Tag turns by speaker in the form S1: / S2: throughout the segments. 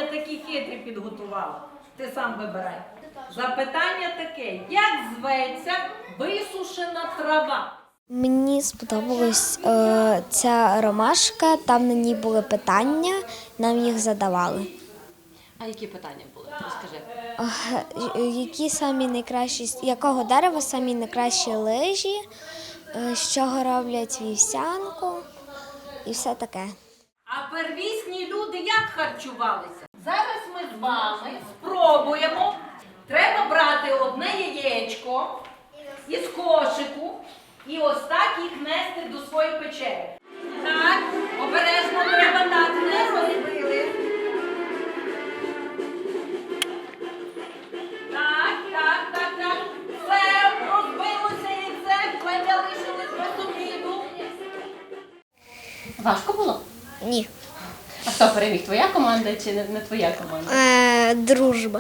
S1: такі хитрі підготувала. Ти сам вибирай. Запитання таке: як зветься висушена трава?
S2: Мені сподобалась ця ромашка, там на ній були питання, нам їх задавали.
S3: А які питання були? Розкажи.
S2: Які самі найкращі, якого дерева самі найкращі лижі, з чого роблять вівсянку і все таке.
S1: А первісні люди як харчувалися? Зараз ми з вами спробуємо. Треба брати одне яєчко із кошику і ось так їх нести до своєї печери. Так, обережно треба так, не розбили. Так. Все, розбилося яйце, вже залишились без обіду.
S3: Важко було?
S2: Ні.
S3: А хто переміг? Твоя команда чи не твоя команда?
S2: Дружба.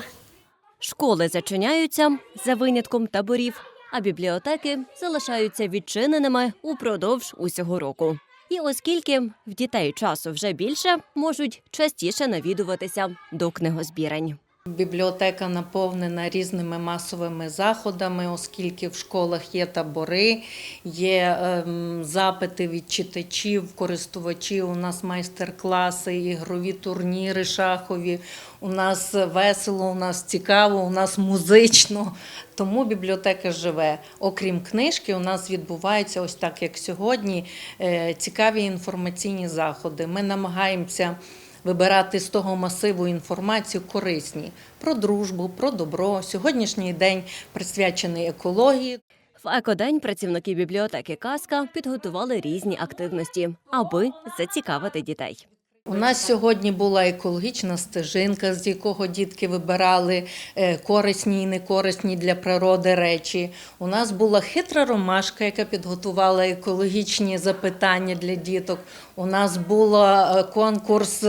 S4: Школи зачиняються за винятком таборів, а бібліотеки залишаються відчиненими упродовж усього року. І оскільки в дітей часу вже більше, можуть частіше навідуватися до книгозбірень.
S5: Бібліотека наповнена різними масовими заходами, оскільки в школах є табори, є запити від читачів, користувачів, у нас майстер-класи, ігрові турніри шахові, у нас весело, у нас цікаво, у нас музично, тому бібліотека живе. Окрім книжки, у нас відбуваються, ось так як сьогодні, цікаві інформаційні заходи. Ми намагаємося вибирати з того масиву інформацію корисні про дружбу, про добро. Сьогоднішній день присвячений екології.
S4: В екодень працівники бібліотеки «Казка» підготували різні активності, аби зацікавити дітей.
S5: У нас сьогодні була екологічна стежинка, з якого дітки вибирали корисні і некорисні для природи речі. У нас була хитра ромашка, яка підготувала екологічні запитання для діток. У нас був конкурс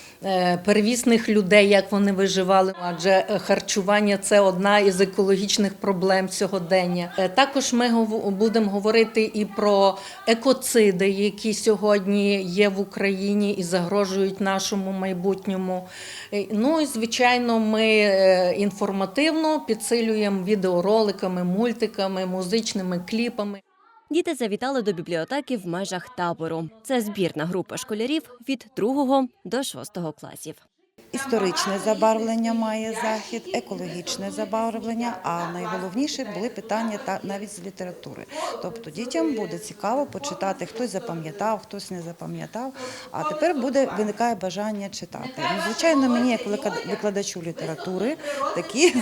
S5: первісних людей, як вони виживали, адже харчування – це одна із екологічних проблем сьогодення. Також ми будемо говорити і про екоциди, які сьогодні є в Україні і загрожують нашому майбутньому. Ну і, звичайно, ми інформативно підсилюємо відеороликами, мультиками, музичними кліпами.
S4: Діти завітали до бібліотеки в межах табору. Це збірна група школярів від 2 до 6 класів.
S6: Історичне забарвлення має захід, екологічне забарвлення, а найголовніше були питання навіть з літератури. Тобто дітям буде цікаво почитати, хтось запам'ятав, хтось не запам'ятав, а тепер виникає бажання читати. Ну, звичайно, мені, як викладачу літератури, такі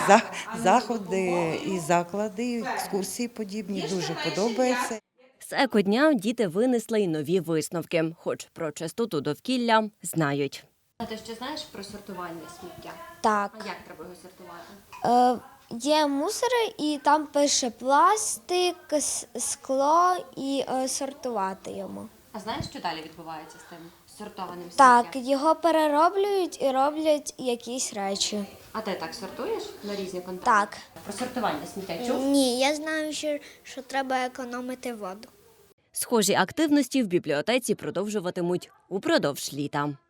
S6: заходи і заклади, екскурсії подібні дуже подобаються.
S4: З екодня діти винесли й нові висновки, хоч про чистоту довкілля знають.
S3: А ти ще знаєш про сортування сміття?
S2: Так.
S3: А як треба його сортувати?
S2: Є мусори, і там пише пластик, скло і сортувати йому.
S3: А знаєш, що далі відбувається з тим сортованим сміттям?
S2: Так, його перероблюють і роблять якісь речі.
S3: А ти так сортуєш на різні контейнери?
S2: Так.
S3: Про сортування сміття чув?
S2: Ні, я знаю, що треба економити воду.
S4: Схожі активності в бібліотеці продовжуватимуть упродовж літа.